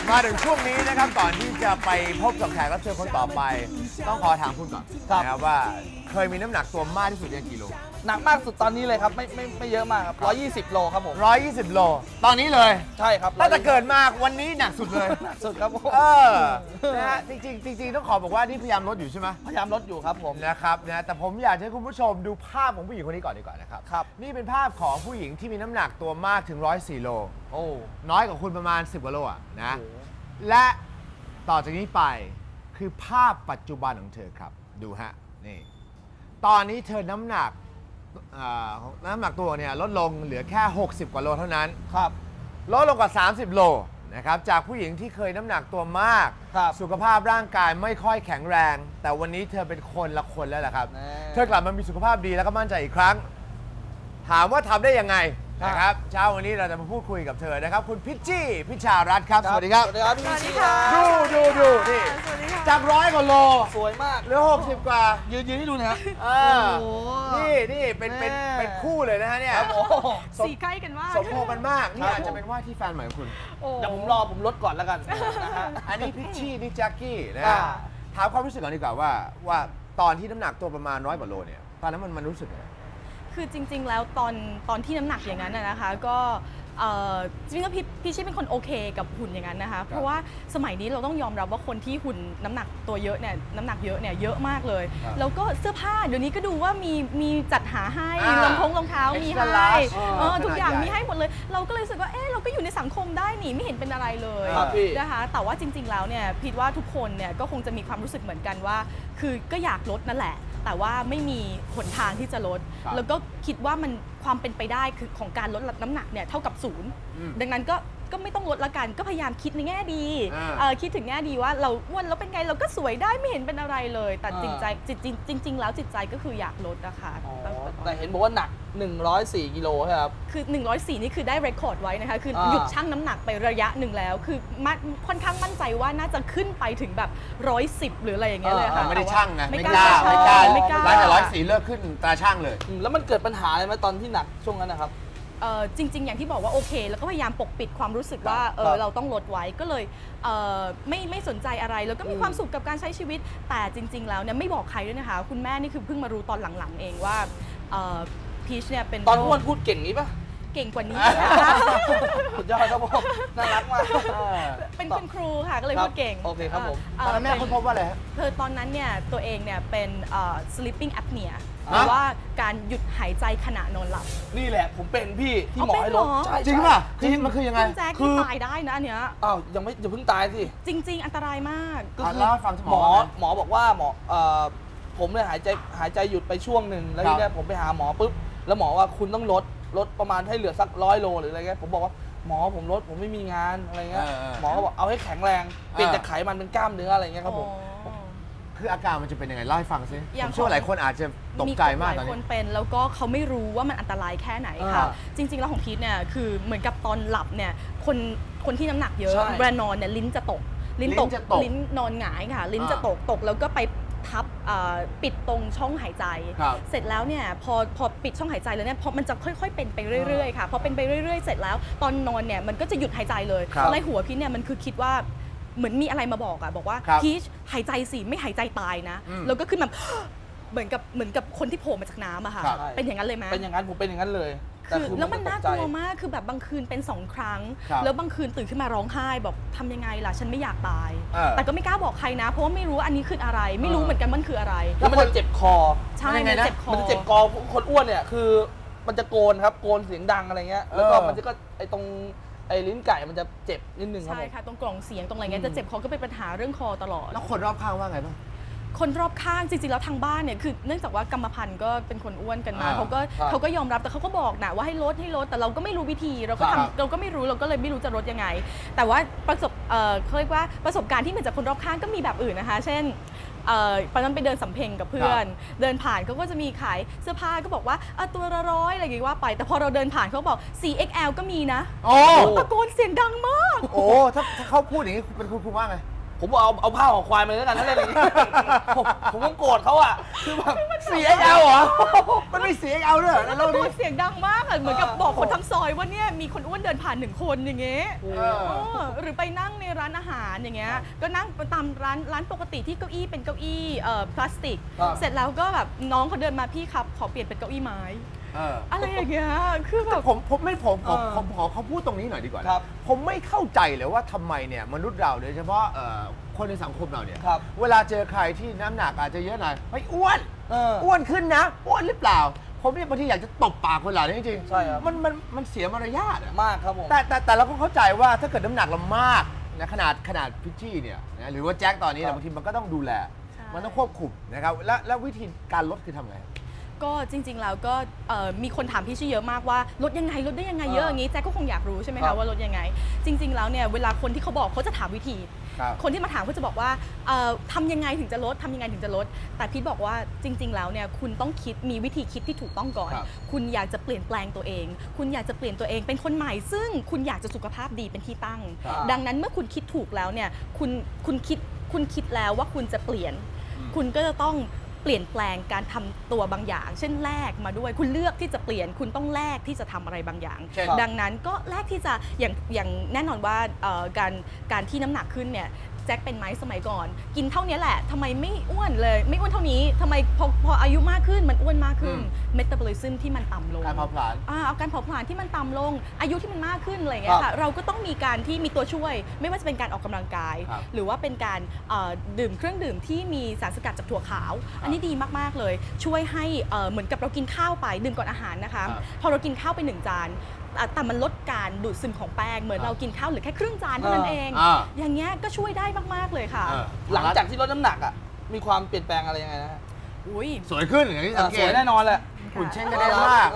มาถึงช่วงนี้นะครับก่อนที่จะไปพบกับแขกรับเชิญคนต่อไปต้องขอถามคุณก่อนนะครับว่าเคยมีน้ำหนักตัวมากที่สุดยังกี่โลหนักมากสุดตอนนี้เลยครับไม่เยอะมากครับ120 โลครับผม 120 โลตอนนี้เลยใช่ครับตั้งแต่เกิดมาวันนี้หนักสุดเลยหนักสุดครับผมนะฮะจริงต้องขอบอกว่านี่พยายามลดอยู่ใช่ไหมพยายามลดอยู่ครับผมนะครับนะแต่ผมอยากให้คุณผู้ชมดูภาพของผู้หญิงคนนี้ก่อนดีกว่านะครับนี่เป็นภาพของผู้หญิงที่มีน้ำหนักตัวมากถึง104 โลโอ้น้อยกว่าคุณประมาณ10 กว่าโลอ่ะนะและต่อจากนี้ไปคือภาพปัจจุบันของเธอครับดูฮะนี่ตอนนี้เธอน้ำหนักตัวเนี่ยลดลงเหลือแค่60 กว่าโลเท่านั้นครับลดลงกว่า30 โลนะครับจากผู้หญิงที่เคยน้ำหนักตัวมากสุขภาพร่างกายไม่ค่อยแข็งแรงแต่วันนี้เธอเป็นคนละคนแล้วแหละครับเธอกลับมามีสุขภาพดีแล้วก็มั่นใจอีกครั้งถามว่าทำได้ยังไงนะครับเช้าวันนี้เราจะมาพูดคุยกับเธอนะครับคุณพิชชี่พิชารัตน์ครับสวัสดีครับสวัสดีครับพี่พิชชี่ดูนี่จาก100 กว่าโลสวยมากเหลือ60 กว่ายืนให้ดูนะครับนี่เป็นคู่เลยนะฮะเนี่ยสีใกล้กันมากสมพงกันมากนี่อาจจะเป็นว่าที่แฟนใหม่ของคุณเดี๋ยวผมลดก่อนแล้วกันนะฮะอันนี้พิชชี่นี่แจ็คกี้นะฮะถามความรู้สึกก่อนดีกว่าว่าตอนที่น้ำหนักตัวประมาณ100 กว่าโลเนี่ยตอนนั้นมันรู้สึกไงคือจริงๆแล้วตอนที่น้ำหนักอย่างนั้นนะคะก็จริงๆแล้วพี่ชี่เป็นคนโอเคกับหุ่นอย่างนั้นนะคะเพราะว่าสมัยนี้เราต้องยอมรับว่าคนที่หุ่นน้ำหนักตัวเยอะเนี่ยน้ำหนักเยอะเนี่ยเยอะมากเลยแล้วก็เสื้อผ้าเดี๋ยวนี้ก็ดูว่ามีจัดหาให้รองเท้ามีให้ทุกอย่างมีให้หมดเลยเราก็เลยรู้สึกว่าเราก็อยู่ในสังคมได้นี่ไม่เห็นเป็นอะไรเลยนะคะแต่ว่าจริงๆแล้วเนี่ยพิดว่าทุกคนเนี่ยก็คงจะมีความรู้สึกเหมือนกันว่าคือก็อยากลดนั่นแหละแต่ว่าไม่มีหนทางที่จะลดแล้วก็คิดว่ามันความเป็นไปได้คือของการลดน้ำหนักเนี่ยเท่ากับ0ดังนั้นก็ไม่ต้องลดละกันก็พยายามคิดในแง่ดีคิดถึงแง่ดีว่าเราอ้วนแล้วเป็นไงเราก็สวยได้ไม่เห็นเป็นอะไรเลยแต่จริงแล้วจิตใจก็คืออยากลดนะคะแต่เห็นบอกว่าหนัก104 กิโลครับคือ104นี่คือได้เรคคอร์ดไว้นะคะคือหยุดชั่งน้ำหนักไประยะหนึ่งแล้วคือค่อนข้างมั่นใจว่าน่าจะขึ้นไปถึงแบบ110หรืออะไรอย่างเงี้ยเลยค่ะไม่ได้ชั่งนะไม่กล้าหลังจาก104เลิกขึ้นตาชั่งเลยแล้วมันเกิดปัญหาอะไรไหมตอนที่หนักช่วงนั้นนะครับจริงๆอย่างที่บอกว่าโอเคแล้วก็พยายามปกปิดความรู้สึกว่าเราต้องลดไว้ก็เลยไม่สนใจอะไรแล้วก็มีความสุขกับการใช้ชีวิตแต่จริงๆแล้วเนี่ยไม่บอกใครด้วยนะคะคุณแม่นี่คือเพิ่งมารู้ตอนหลังๆเองว่าพีชเนี่ยเป็นตอนอ้วนพูดเก่งนี้ปะเก่งกว่านี้นะคะสุดยอดครับผมน่ารักมากเป็นคุณครูค่ะก็เลยพูดเก่งโอเคครับผมตอนนั้นแม่ค้นพบว่าอะไรตอนนั้นเนี่ยตัวเองเนี่ยเป็น sleeping apnea หรือว่าการหยุดหายใจขณะนอนหลับนี่แหละผมเป็นพี่ที่หมอให้ลดจริงป่ะมันคือยังไงคุณแจ็คที่ตายได้นะอันเนี้ยอย่าเพิ่งตายสิจริงๆอันตรายมากก็คือฟังหมอบอกว่าผมเลยหายใจหยุดไปช่วงหนึ่งแล้วทีนี้ผมไปหาหมอปุ๊บแล้วหมอว่าคุณต้องลดประมาณให้เหลือสัก100 โลหรืออะไรเงี้ยผมบอกว่าหมอผมลดผมไม่มีงานอะไรเงี้ยหมอก็บอกเอาให้แข็งแรงเปลี่ยนจากไขมันเป็นกล้ามเนื้ออะไรเงี้ยครับผมคืออาการมันจะเป็นยังไงเล่าให้ฟังซิผมเชื่อว่าหลายคนอาจจะตกใจมากตอนนี้หลายคนเป็นแล้วก็เขาไม่รู้ว่ามันอันตรายแค่ไหนค่ะจริงๆแล้วของพีทเนี่ยคือเหมือนกับตอนหลับเนี่ยคนที่น้ำหนักเยอะเวลานอนเนี่ยลิ้นจะตกลิ้นนอนหงายค่ะลิ้นจะตกแล้วก็ไปทับปิดตรงช่องหายใจเสร็จแล้วเนี่ยพอปิดช่องหายใจแล้วเนี่ยพอมันจะค่อยๆเป็นไปเรื่อยๆค่ะพอเป็นไปเรื่อยๆเสร็จแล้วตอนนอนเนี่ยมันก็จะหยุดหายใจเลยในหัวพีทเนี่ยมันคือคิดว่าเหมือนมีอะไรมาบอกว่าพีชหายใจสิไม่หายใจตายนะแล้วก็ขึ้นแบบเหมือนกับคนที่โผล่มาจากน้ำอะค่ะเป็นอย่างนั้นเลยไหมเป็นอย่างนั้นผมเป็นอย่างนั้นเลยคือแล้วมันน่ากลัวมากคือแบบบางคืนเป็น2 ครั้งแล้วบางคืนตื่นขึ้นมาร้องไห้บอกทำยังไงล่ะฉันไม่อยากตายแต่ก็ไม่กล้าบอกใครนะเพราะว่าไม่รู้อันนี้คืออะไรไม่รู้เหมือนกันมันคืออะไรแล้วมันจะเจ็บคอใช่มันเจ็บคอมันเจ็บคอคนอ้วนเนี่ยคือมันจะโกนครับโกนเสียงดังอะไรเงี้ยแล้วก็มันก็ไอตรงลิ้นไก่มันจะเจ็บนิดนึงครับใช่ค่ะตรงกล่องเสียงตรงอะไรเงี้ยจะเจ็บคอก็เป็นปัญหาเรื่องคอตลอดแล้วคนรอบข้างว่าไงบ้างคนรอบข้างจริงๆแล้วทางบ้านเนี่ยคือเนื่องจากว่ากรรมพันธุ์ก็เป็นคนอ้วนกันมาเขาก็ยอมรับแต่เขาก็บอกนะว่าให้ลดแต่เราก็ไม่รู้วิธีเราก็ไม่รู้เราก็เลยไม่รู้จะลดยังไงแต่ว่าเขาเรียกว่าประสบการณ์ที่เหมือนจากคนรอบข้างก็มีแบบอื่นนะคะเช่นตอนนั้นไปเดินสำเพ็งกับเพื่อนเดินผ่านเขาก็จะมีขายเสื้อผ้าก็บอกว่าตัวละ100อะไรอย่างงี้ว่าไปแต่พอเราเดินผ่านเขาบอก 4XL ก็มีนะตะโกนเสียงดังมากโอ้ถ้าเขาพูดอย่างนี้เป็นคุณว่าไงผมเอาผ้าของควายมาแล้วกันถ้าเล่นอย่างนี้ผมก็โกรธเขาอ่ะคือแบบ CXL เหรอมันไม่ CXL ด้วยในโลกพูนี้ดเสียงดังมากอะเหมือนกับบอกคนทั้งซอยว่าเนี่ยมีคนอ้วนเดินผ่าน1 คนอย่างเงี้ยหรือไปนั่งในร้านอาหารอย่างเงี้ยก็นั่งตามร้านปกติที่เก้าอี้เป็นเก้าอี้พลาสติกเสร็จแล้วก็แบบน้องเขาเดินมาพี่ครับขอเปลี่ยนเป็นเก้าอี้ไม้อะไรอย่างเงี้ยคือแบบผมขอเขาพูดตรงนี้หน่อยดีกว่าผมไม่เข้าใจเลยว่าทำไมเนี่ยมนุษย์เราโดยเฉพาะคนในสังคมเราเนี่ยเวลาเจอใครที่น้ำหนักอาจจะเยอะหน่อยเฮ้ยอ้วนขึ้นนะอ้วนหรือเปล่าผมเนี่ยบางทีอยากจะตบปากคนเหล่านี้จริงๆใช่ครับมันเสียมารยาทมากครับผมแต่เราก็เข้าใจว่าถ้าเกิดน้ำหนักเรามากนะขนาดพิชชี่เนี่ยนะหรือว่าแจ็คตอนนี้บางทีมันก็ต้องดูแลมันต้องควบคุมนะครับแล้ววิธีการลดคือทำไงก็จริงๆแล้วก็มีคนถามพี่ชี่เยอะมากว่าลดยังไงลดได้ยังไงเยอะอย่างนี้แจ็คก็คงอยากรู้ใช่ไหมคะว่าลดยังไงจริงๆแล้วเนี่ยเวลาคนที่เขาบอกเขาจะถามวิธีคนที่มาถามเขาจะบอกว่าทำยังไงถึงจะลดทำยังไงถึงจะลดแต่พี่บอกว่าจริงๆแล้วเนี่ยคุณต้องคิดมีวิธีคิดที่ถูกต้องก่อนคุณอยากจะเปลี่ยนแปลงตัวเองคุณอยากจะเปลี่ยนตัวเองเป็นคนใหม่ซึ่งคุณอยากจะสุขภาพดีเป็นที่ตั้งดังนั้นเมื่อคุณคิดถูกแล้วเนี่ยคุณคิดแล้วว่าคุณจะเปลี่ยนคุณก็จะต้องเปลี่ยนแปลงการทำตัวบางอย่างเช่นแลกมาด้วยคุณเลือกที่จะเปลี่ยนคุณต้องแลกที่จะทำอะไรบางอย่างดังนั้นก็แลกที่จะอย่างแน่นอนว่าการที่น้ำหนักขึ้นเนี่ยแจ็คเป็นไหมสมัยก่อนกินเท่านี้แหละทำไมไม่อ้วนเลยไม่อ้วนเท่านี้ทำไมพออายุมากขึ้นมันอ้วนมากขึ้นเมตาบอลิซึมที่มันต่ำลงการเผาผลาญการเผาผลาญที่มันต่ำลงอายุที่มันมากขึ้นอะไรเงี้ยค่ะเราก็ต้องมีการที่มีตัวช่วยไม่ว่าจะเป็นการออกกำลังกายหรือว่าเป็นการดื่มเครื่องดื่มที่มีสารสกัดจากถั่วขาวอันนี้ดีมากๆเลยช่วยให้เหมือนกับเรากินข้าวไปดื่มก่อนอาหารนะคะพอเรากินข้าวไป1 จานแต่มันลดการดูดซึมของแป้งเหมือนเรากินข้าวเหลือแค่ครึ่งจานเท่านั้นเองอย่างเงี้ยก็ช่วยได้มากๆเลยค่ะหลังจากที่ลดน้ำหนักอ่ะมีความเปลี่ยนแปลงอะไรยังไงนะสวยขึ้นอย่างที่สังเกตสวยแน่นอนแหละหุ่นเช่นกันได้มาก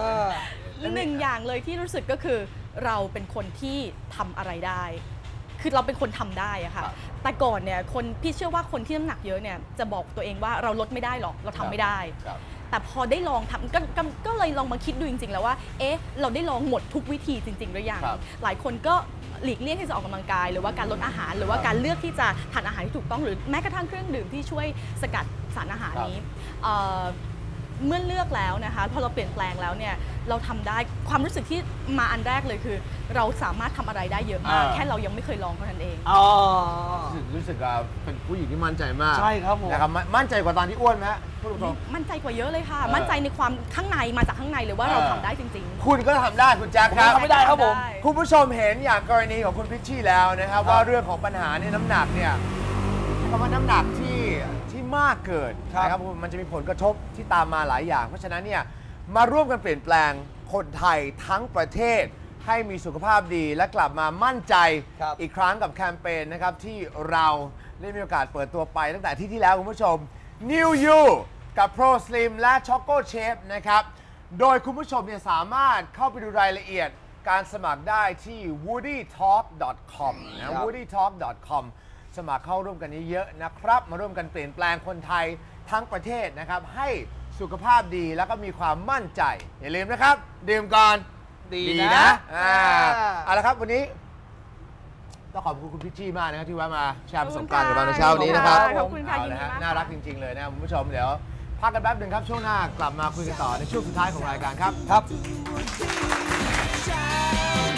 1 อย่างเลยที่รู้สึกก็คือเราเป็นคนที่ทำอะไรได้คือเราเป็นคนทำได้อะค่ะแต่ก่อนเนี่ยพี่เชื่อว่าคนที่น้ำหนักเยอะเนี่ยจะบอกตัวเองว่าเราลดไม่ได้หรอกเราทำไม่ได้แต่พอได้ลองทำก็เลยลองมาคิดดูจริงๆแล้วว่าเราได้ลองหมดทุกวิธีจริงๆหรือยังหลายคนก็หลีกเลี่ยงที่จะออกกำลังกายหรือว่าการลดอาหารหรือว่าการเลือกที่จะทานอาหารที่ถูกต้องหรือแม้กระทั่งเครื่องดื่มที่ช่วยสกัดสารอาหารนี้เมื่อเลือกแล้วนะคะพอเราเปลี่ยนแปลงแล้วเนี่ยเราทำได้ความรู้สึกที่มาอันแรกเลยคือเราสามารถทำอะไรได้เยอะมากแค่เรายังไม่เคยลองเท่านั้นเองรู้สึกเป็นผู้หญิงที่มั่นใจมากใช่ครับผมนะครับมั่นใจกว่าตอนที่อ้วนไหมพูดตรงมั่นใจกว่าเยอะเลยค่ะมั่นใจในความข้างในมาจากข้างในเลยว่าเราทำได้จริงๆคุณก็ทำได้คุณแจ็คครับทำไม่ได้ครับผมคุณผู้ชมเห็นอย่างกรณีของคุณพิชชี่แล้วนะครับว่าเรื่องของปัญหาในน้ำหนักเนี่ยคำว่าน้ำหนักที่มากเกินนะครับมันจะมีผลกระทบที่ตามมาหลายอย่างเพราะฉะนั้นเนี่ยมาร่วมกันเปลี่ยนแปลงคนไทยทั้งประเทศให้มีสุขภาพดีและกลับมามั่นใจอีกครั้งกับแคมเปญนะครับที่เราได้มีโอกาสเปิดตัวไปตั้งแต่ที่แล้วคุณผู้ชม New You กับ Pro Slim และ Choco Chef นะครับโดยคุณผู้ชมเนี่ยสามารถเข้าไปดูรายละเอียดการสมัครได้ที่ woodytalk.com นะ woodytalk.comสมัครเข้าร่วมกันเยอะๆนะครับมาร่วมกันเปลี่ยนแปลงคนไทยทั้งประเทศนะครับให้สุขภาพดีแล้วก็มีความมั่นใจอย่าลืมนะครับดื่มก่อนดีนะเอาละครับวันนี้ต้องขอบคุณคุณพิชชี่มากนะครับที่มาแชร์ประสบการณ์กับเราในเช้านี้นะครับขอบคุณค่ะน่ารักจริงๆเลยนะคุณผู้ชมเดี๋ยวพักกันแป๊บนึงครับช่วงหน้ากลับมาคุยกันต่อในช่วงสุดท้ายของรายการครับ